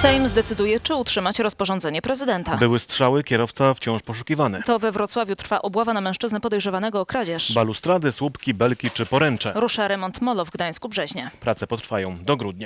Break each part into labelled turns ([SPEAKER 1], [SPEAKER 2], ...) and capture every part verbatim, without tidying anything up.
[SPEAKER 1] Sejm zdecyduje, czy utrzymać rozporządzenie prezydenta.
[SPEAKER 2] Były strzały, kierowca wciąż poszukiwany.
[SPEAKER 1] To we Wrocławiu trwa obława na mężczyznę podejrzewanego o kradzież.
[SPEAKER 2] Balustrady, słupki, belki czy poręcze.
[SPEAKER 1] Rusza remont molo w Gdańsku-Brzeźnie.
[SPEAKER 2] Prace potrwają do grudnia.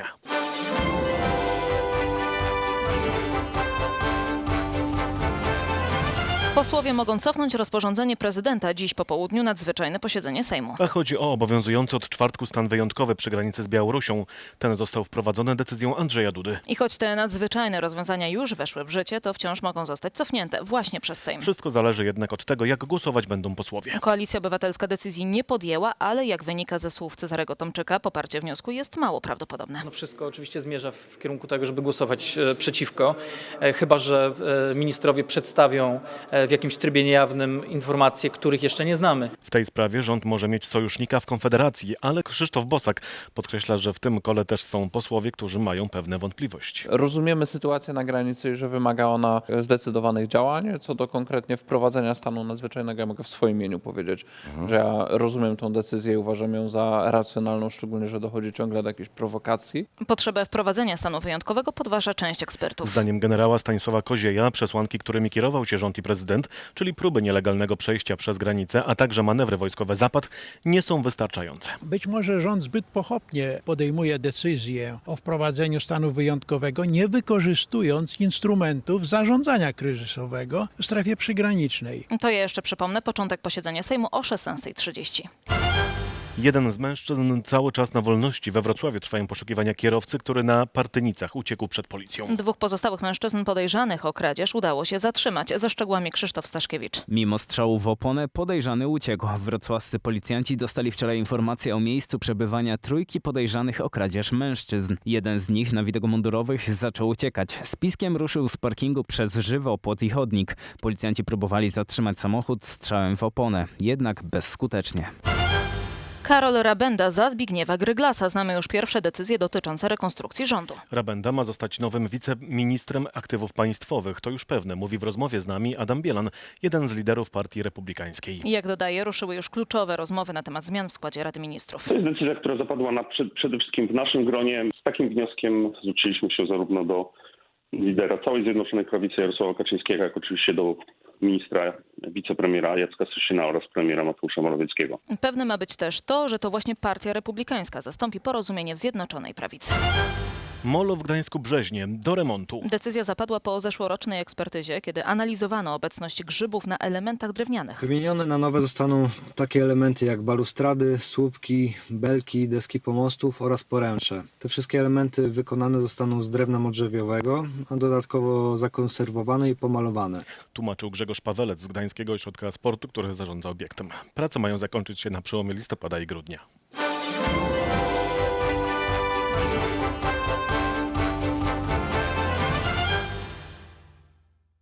[SPEAKER 1] Posłowie mogą cofnąć rozporządzenie prezydenta. Dziś po południu nadzwyczajne posiedzenie Sejmu.
[SPEAKER 2] A chodzi o obowiązujący od czwartku stan wyjątkowy przy granicy z Białorusią. Ten został wprowadzony decyzją Andrzeja Dudy.
[SPEAKER 1] I choć te nadzwyczajne rozwiązania już weszły w życie, to wciąż mogą zostać cofnięte właśnie przez Sejm.
[SPEAKER 2] Wszystko zależy jednak od tego, jak głosować będą posłowie.
[SPEAKER 1] Koalicja Obywatelska decyzji nie podjęła, ale jak wynika ze słów Cezarego Tomczyka, poparcie wniosku jest mało prawdopodobne.
[SPEAKER 3] No wszystko oczywiście zmierza w kierunku tego, żeby głosować e, przeciwko, e, chyba że e, ministrowie przedstawią e, w jakimś trybie niejawnym informacje, których jeszcze nie znamy.
[SPEAKER 2] W tej sprawie rząd może mieć sojusznika w Konfederacji, ale Krzysztof Bosak podkreśla, że w tym kole też są posłowie, którzy mają pewne wątpliwości.
[SPEAKER 4] Rozumiemy sytuację na granicy i że wymaga ona zdecydowanych działań. Co do konkretnie wprowadzenia stanu nadzwyczajnego, ja mogę w swoim imieniu powiedzieć, mhm. że ja rozumiem tę decyzję i uważam ją za racjonalną, szczególnie, że dochodzi ciągle do jakichś prowokacji.
[SPEAKER 1] Potrzebę wprowadzenia stanu wyjątkowego podważa część ekspertów.
[SPEAKER 2] Zdaniem generała Stanisława Kozieja przesłanki, którymi kierował się rząd i prezydent, czyli próby nielegalnego przejścia przez granicę, a także manewry wojskowe Zapad, nie są wystarczające.
[SPEAKER 5] Być może rząd zbyt pochopnie podejmuje decyzję o wprowadzeniu stanu wyjątkowego, nie wykorzystując instrumentów zarządzania kryzysowego w strefie przygranicznej.
[SPEAKER 1] To ja jeszcze przypomnę, początek posiedzenia Sejmu o szesnastej trzydzieści.
[SPEAKER 2] Jeden z mężczyzn cały czas na wolności. We Wrocławiu trwają poszukiwania kierowcy, który na Partynicach uciekł przed policją.
[SPEAKER 1] Dwóch pozostałych mężczyzn podejrzanych o kradzież udało się zatrzymać. Ze szczegółami Krzysztof Staszkiewicz.
[SPEAKER 6] Mimo strzału w oponę podejrzany uciekł. Wrocławscy policjanci dostali wczoraj informację o miejscu przebywania trójki podejrzanych o kradzież mężczyzn. Jeden z nich na widok mundurowych zaczął uciekać. Z piskiem ruszył z parkingu przez żywopłot i chodnik. Policjanci próbowali zatrzymać samochód strzałem w oponę, jednak bezskutecznie.
[SPEAKER 1] Karol Rabenda za Zbigniewa Gryglasa. Znamy już pierwsze decyzje dotyczące rekonstrukcji rządu.
[SPEAKER 2] Rabenda ma zostać nowym wiceministrem aktywów państwowych. To już pewne, mówi w rozmowie z nami Adam Bielan, jeden z liderów Partii Republikańskiej.
[SPEAKER 1] I jak dodaje, ruszyły już kluczowe rozmowy na temat zmian w składzie Rady Ministrów.
[SPEAKER 7] To jest decyzja, która zapadła na, przede wszystkim w naszym gronie. Z takim wnioskiem zwróciliśmy się zarówno do lidera całej Zjednoczonej Prawicy Jarosława Kaczyńskiego, jak oczywiście do ministra, wicepremiera Jacka Sasina oraz premiera Mateusza Morawieckiego.
[SPEAKER 1] Pewne ma być też to, że to właśnie Partia Republikańska zastąpi porozumienie w Zjednoczonej Prawicy.
[SPEAKER 2] Molo w Gdańsku-Brzeźnie do remontu.
[SPEAKER 1] Decyzja zapadła po zeszłorocznej ekspertyzie, kiedy analizowano obecność grzybów na elementach drewnianych.
[SPEAKER 8] Wymienione na nowe zostaną takie elementy jak balustrady, słupki, belki, deski pomostów oraz poręcze. Te wszystkie elementy wykonane zostaną z drewna modrzewiowego, a dodatkowo zakonserwowane i pomalowane.
[SPEAKER 2] Tłumaczył Grzegorz Pawelec z Gdańskiego Ośrodka Sportu, który zarządza obiektem. Prace mają zakończyć się na przełomie listopada i grudnia.